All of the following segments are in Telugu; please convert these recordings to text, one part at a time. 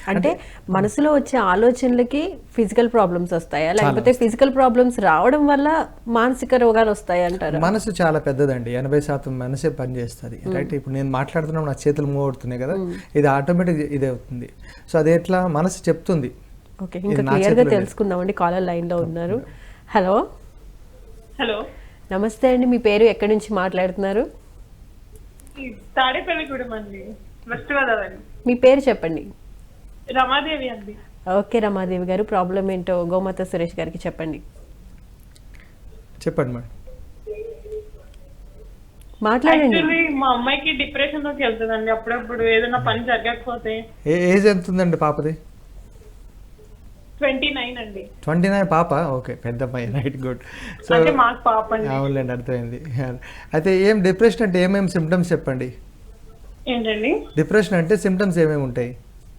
అంటే మనసులో వచ్చే ఆలోచనలకి ఫిజికల్ ప్రాబ్లమ్స్ వస్తాయా, లేకపోతే ఫిజికల్ ప్రాబ్లమ్స్ రావడం వల్ల మానసిక రోగాలు వస్తాయి అంటారు? మనసు చాలా పెద్దదండి, 80% మనసే పనిచేస్తుంది. రైట్, ఇప్పుడు నేను మాట్లాడుతున్నాను, నా చేతులు మూవ్ అవుతున్నాయి కదా, ఇది ఆటోమేటిక్ ఇదే అవుతుంది. సో అది ఎట్లా మనసు చెప్తుంది. ఓకే, ఇంకా క్లియర్గా తెలుసుకుందామండి. కాలర్ లైన్లో ఉన్నారు. హలో. హలో, నమస్తే అండి, మీ పేరు ఎక్కడి నుంచి మాట్లాడుతున్నారు? తాడేపల్లిగూడెం అండి, వెస్ట్ గోదావరి. మీ పేరు చెప్పండి. రమాదేవి అండి. ఓకే రమాదేవి గారు, ప్రాబ్లం ఏంటో గోమాత సురేష్ గారికి చెప్పండి. చెప్పండి మేడం, మాట్లాడండి. యాక్చువల్లీ మా అమ్మాయికి డిప్రెషన్ లోకి వెళ్తుందండి అప్పుడప్పుడు, ఏదైనా పని జరగకపోతే. ఏజ్ ఎంత ఉందండి పాపది? 29 అండి. 29 పాప, ఓకే, పెద్ద అమ్మాయి. Right, good. సో అంటే మాకు పాప అండి. అవునులేండి, అర్థమైంది. అయితే ఏం డిప్రెషన్ అంటే ఏమేమి సిమ్టమ్స్ చెప్పండి. ఏంటండి డిప్రెషన్ అంటే సిమ్టమ్స్ ఏమేమి ఉంటాయి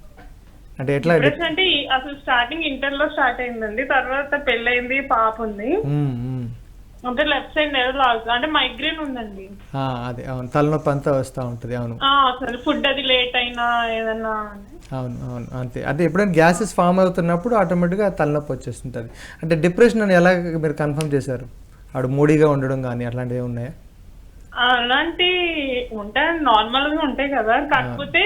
అంటే ఎట్లా? డిప్రెషన్ అంటే అసలు స్టార్టింగ్ ఇంటర్ లో స్టార్ట్ అయిందండి, తర్వాత పెళ్ళయింది, పాప ఉంది. అంటే లెఫ్ట్ సైడ్ నెర్వ్ లాస్, అంటే మైగ్రేన్ ఉందండి. అదే, అవును, తలనొప్పి అంతా వస్తూ ఉంటుంది. అవును, అసలు ఫుడ్ అది లేట్ అయినా ఏదన్నా. అవును అవును, అంతే. అంటే ఎప్పుడైనా గ్యాసెస్ ఫామ్ అవుతున్నప్పుడు ఆటోమేటిక్గా తలనొప్పి వచ్చేస్తుంటుంది. అంటే డిప్రెషన్ అని ఎలా మీరు కన్ఫర్మ్ చేశారు? ఆడు మూడీగా ఉండడం కానీ అట్లాంటివి ఉన్నాయా? అలాంటి ఉంటాయి, నార్మల్ గా ఉంటాయి కదా, కాకపోతే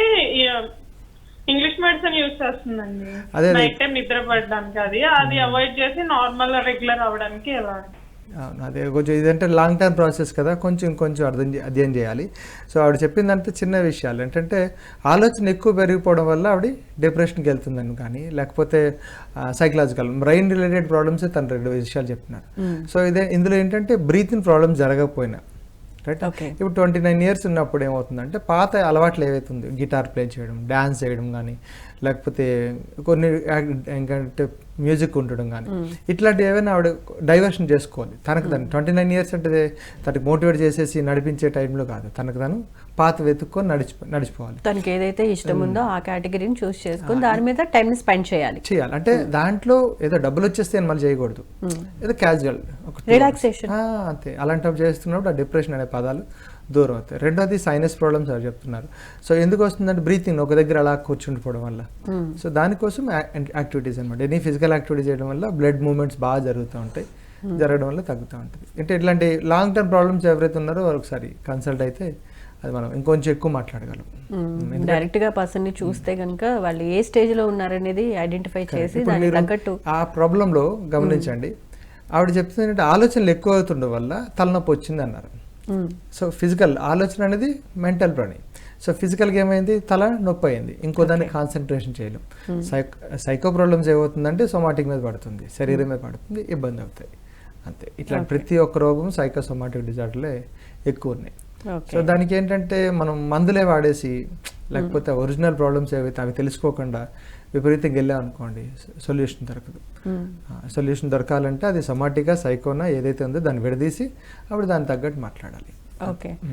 ఇంగ్లీష్ మెడిసిన్ యూజ్ చేస్తుందండి నైట్ టైం నిద్ర పడడానికి. అది అవాయిడ్ చేసి నార్మల్ రెగ్యులర్ అవ్వడానికి ఎలా. అవును, అదే కొంచెం ఇదంటే లాంగ్ టర్మ్ ప్రాసెస్ కదా, కొంచెం అధ్యయనం చేయాలి. సో ఆవిడ చెప్పిందంటే చిన్న విషయాలు ఏంటంటే ఆలోచన ఎక్కువ పెరిగిపోవడం వల్ల ఆవిడ డిప్రెషన్కి వెళ్తుందని, కానీ లేకపోతే సైకలాజికల్ బ్రెయిన్ రిలేటెడ్ ప్రాబ్లమ్స్ తను 2 విషయాలు చెప్తున్నారు. సో ఇందులో ఏంటంటే బ్రీతింగ్ ప్రాబ్లమ్స్ జరగకపోయినా, రైట్, ఇప్పుడు 29 ఇయర్స్ ఉన్నప్పుడు ఏమవుతుందంటే పాత అలవాట్లు ఏవైతుంది, గిటార్ ప్లే చేయడం, డ్యాన్స్ చేయడం కానీ, లేకపోతే కొన్ని ఏంటంటే మ్యూజిక్ ఉండడం కానీ, ఇట్లాంటివి ఏమైనా ఆవిడ డైవర్షన్ చేసుకోవాలి తనకు తను. 29 ఇయర్స్ అంటే తనకి మోటివేట్ చేసేసి నడిపించే టైంలో కాదు, తనకు తను పాత వెతుక్కొని నడిచిపోవాలి. తనకి ఏదైతే ఇష్టం ఉందో ఆ కేటగిరీని చూస్ చేసుకొని దాని మీద టైం స్పెండ్ చేయాలి. అంటే దాంట్లో ఏదో డబ్బులు వచ్చేస్తే మళ్ళీ చేయకూడదు, ఏదో క్యాజువల్ రిలాక్సేషన్ అంతే. అలాంటివి చేస్తున్నప్పుడు ఆ డిప్రెషన్ అనే పదాలు దూరం అవుతాయి. రెండోది సైనస్ ప్రాబ్లమ్స్ అని చెప్తున్నారు. సో ఎందుకు వస్తుందంటే బ్రీతింగ్ ఒక దగ్గర అలా కూర్చుండిపోవడం వల్ల. సో దానికోసం యాక్టివిటీస్ అనమాట, ఎనీ ఫిజికల్ యాక్టివిటీ చేయడం వల్ల బ్లడ్ మూవ్మెంట్స్ బాగా జరుగుతూ ఉంటాయి, జరగడం వల్ల తగ్గుతూ ఉంటుంది. అంటే ఇట్లాంటి లాంగ్ టర్మ్ ప్రాబ్లమ్స్ ఎవరైతే ఉన్నారో ఒకసారి కన్సల్ట్ అయితే అది మనం ఇంకొంచెం ఎక్కువ మాట్లాడగలం. డైరెక్ట్ గా పర్సన్ ని చూస్తే కనుక వాళ్ళు ఏ స్టేజ్ లో ఉన్నారనేది ఐడెంటిఫై చేసి దానికి తగ్గట్టు ఆ ప్రాబ్లంలో గమనించండి. ఆవిడ చెప్తుంది ఆలోచనలు ఎక్కువ అవుతుండడం వల్ల తలనొప్పి వచ్చింది అన్నారు. సో ఫిజికల్ ఆలోచన అనేది మెంటల్ ప్రాణి. సో ఫిజికల్గా ఏమైంది, తల నొప్పి అయింది, ఇంకో దాన్ని కాన్సన్ట్రేషన్ చేయలేం. సైకో ప్రాబ్లమ్స్ ఏమవుతుందంటే సోమాటిక్ మీద పడుతుంది, శరీరం మీద పడుతుంది, ఇబ్బంది అవుతాయి, అంతే. ఇట్లా ప్రతి ఒక్క రోగం సైకోసోమాటిక్ డిజార్డర్లే ఎక్కువ ఉన్నాయి. సో దానికి ఏంటంటే మనం మందులే వాడేసి, లేకపోతే ఒరిజినల్ ప్రాబ్లమ్స్ ఏవైతే అవి తెలుసుకోకుండా విపరీతంగా వెళ్ళామనుకోండి, సొల్యూషన్ దొరకదు. సొల్యూషన్ దొరకాలంటే అది సొమాటిక్గా సైకోనా ఏదైతే ఉందో దాన్ని విడదీసి అప్పుడు దానికి తగ్గట్టు మాట్లాడాలి. ఓకే.